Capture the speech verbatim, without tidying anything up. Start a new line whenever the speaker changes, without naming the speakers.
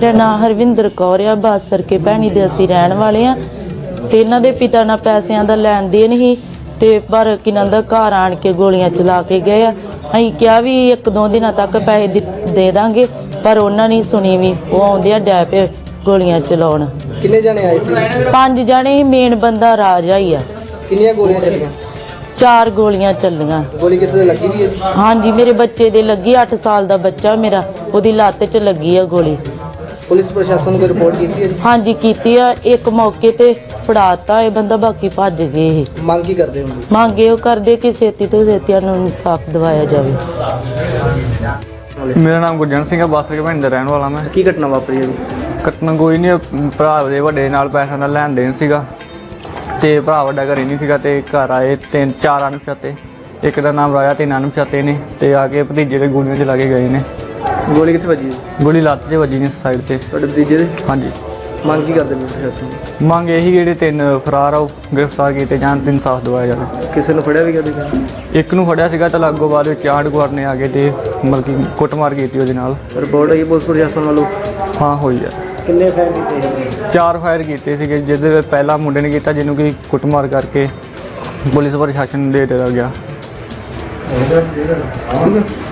ਮੇਰਾ ਨਾਮ ਹਰਵਿੰਦਰ ਕੌਰ ਆ। ਬਾਸਰ ਕੇ ਭੈਣੀ ਦੇ ਅਸੀਂ ਰਹਿਣ ਵਾਲੇ ਆ ਤੇ ਇਹਨਾਂ ਦੇ ਪਿਤਾ ਨਾਲ ਪੈਸਿਆਂ ਦਾ ਲੈਣ ਦੇਣ ਹੀ ਤੇ ਪਰ ਕਿਨਾਂ ਦਾ ਘਰ ਆਣ ਕੇ ਗੋਲੀਆਂ ਚਲਾ ਕੇ ਗਏ ਆ। ਅਸੀਂ ਕਿਹਾ ਵੀ ਇੱਕ ਦੋ ਦਿਨਾਂ ਤੱਕ ਪੈਸੇ ਦੇ ਦਾਂਗੇ ਪਰ ਉਹਨਾਂ ਨੇ ਸੁਣੀ ਵੀ। ਉਹ ਆਉਂਦੇ ਆ ਡੈ ਪਏ ਗੋਲੀਆਂ ਚਲਾਉਣ।
ਕਿੰਨੇ ਜਣੇ ਆਏ ਸੀ?
ਪੰਜ ਜਣੇ ਹੀ। ਮੇਨ ਬੰਦਾ ਰਾਜਾ ਹੀ ਆ।
ਕਿੰਨੀਆਂ ਗੋਲੀਆਂ ਚੱਲੀਆਂ?
ਚਾਰ ਗੋਲੀਆਂ ਚੱਲੀਆਂ।
ਗੋਲੀ ਕਿਸੇ ਦੇ ਲੱਗੀ ਵੀ ਹੈ?
ਹਾਂਜੀ ਮੇਰੇ ਬੱਚੇ ਦੇ ਲੱਗੀ। ਅੱਠ ਸਾਲ ਦਾ ਬੱਚਾ ਮੇਰਾ, ਉਹਦੀ ਲੱਤ 'ਚ ਲੱਗੀ ਆ ਗੋਲੀ।
ਪੁਲਿਸ ਪ੍ਰਸ਼ਾਸਨ ਨੂੰ ਰਿਪੋਰਟ ਕੀਤੀ ਹੈ?
ਹਾਂਜੀ ਕੀਤੀ ਆ। ਇੱਕ ਮੌਕੇ ਤੇ ਫੜਾਤਾ ਇਹ ਬੰਦਾ, ਬਾਕੀ ਭੱਜ ਗਏ ਇਹ।
ਮੰਗ ਕੀ ਕਰਦੇ ਹੋ?
ਮੰਗੇ ਉਹ ਕਰਦੇ ਕਿ ਛੇਤੀ ਤੋਂ ਛੇਤੀ ਨੂੰ ਇਨਸਾਫ ਦਿਵਾਇਆ ਜਾਵੇ।
ਮੇਰਾ ਨਾਮ ਗੁਰਜੰਟ ਸਿੰਘ ਹੈ। ਬਾਸਰ ਕੇ ਭੈਣੀ ਦਾ ਰਹਿਣ ਵਾਲਾ ਮੈਂ।
ਕੀ ਘਟਨਾ ਵਾਪਰੀ ਹੈ?
ਘਟਨਾ ਕੋਈ ਨਹੀਂ, ਭਰਾ ਦੇ ਵੱਡੇ ਨਾਲ ਪੈਸਿਆਂ ਦਾ ਲੈਣ ਦੇਣ ਸੀਗਾ ਤੇ ਭਰਾ ਵੱਡਾ ਘਰੇ ਨਹੀਂ ਸੀਗਾ ਤੇ ਘਰ ਆਏ ਤਿੰਨ ਚਾਰ ਅਣਪਛਾਤੇ। ਇੱਕ ਦਾ ਨਾਮ ਰਾਜਾ, ਤਿੰਨ ਅਣਪਛਾਤੇ ਨੇ ਤੇ ਆ ਕੇ ਭਤੀਜੇ ਦੇ ਗੋਲੀਆਂ ਚਲਾ ਕੇ ਗਏ ਨੇ।
ਗੋਲੀ ਕਿੱਥੇ ਵੱਜੀ?
ਗੋਲੀ ਲੱਤ 'ਤੇ ਵੱਜੀ ਨੇ, ਸਾਈਡ 'ਤੇ।
ਤੁਹਾਡੇ ਭਤੀਜੇ ਦੇ?
ਹਾਂਜੀ।
ਮੰਗ ਕੀ ਕਰਦੇ ਨੇ ਪ੍ਰਸ਼ਾਸਨ?
ਮੰਗ ਇਹੀ ਜਿਹੜੇ ਤਿੰਨ ਫਰਾਰ ਆ ਉਹ ਗ੍ਰਿਫਤਾਰ ਕੀਤੇ ਜਾਣ ਤੇ ਇਨਸਾਫ ਦਿਵਾਇਆ ਜਾਵੇ।
ਕਿਸੇ ਨੂੰ ਫੜਿਆ ਵੀ ਗਿਆ?
ਇੱਕ ਨੂੰ ਫੜਿਆ ਸੀਗਾ ਤਾਂ ਲਾਗੋ ਬਾਅਦ ਵਿੱਚ ਆਂਢ ਗੁਆਂਢ ਨੇ ਆ ਕੇ ਤੇ ਮਤਲਬ ਕਿ ਕੁੱਟਮਾਰ ਕੀਤੀ ਉਹਦੇ ਨਾਲ।
ਰਿਪੋਰਟ ਆਈ ਪੁਲਿਸ ਪ੍ਰਸ਼ਾਸਨ ਵੱਲੋਂ?
ਹਾਂ ਹੋਈ ਆ।
ਕਿੰਨੇ ਫਾਇਰ ਕੀਤੇ?
ਚਾਰ ਫਾਇਰ ਕੀਤੇ ਸੀਗੇ, ਜਿਹਦੇ ਵਿੱਚ ਪਹਿਲਾ ਮੁੰਡੇ ਨੇ ਕੀਤਾ ਜਿਹਨੂੰ ਕਿ ਕੁੱਟਮਾਰ ਕਰਕੇ ਪੁਲਿਸ ਪ੍ਰਸ਼ਾਸਨ ਨੂੰ ਦੇ ਦਿੱਤਾ ਗਿਆ।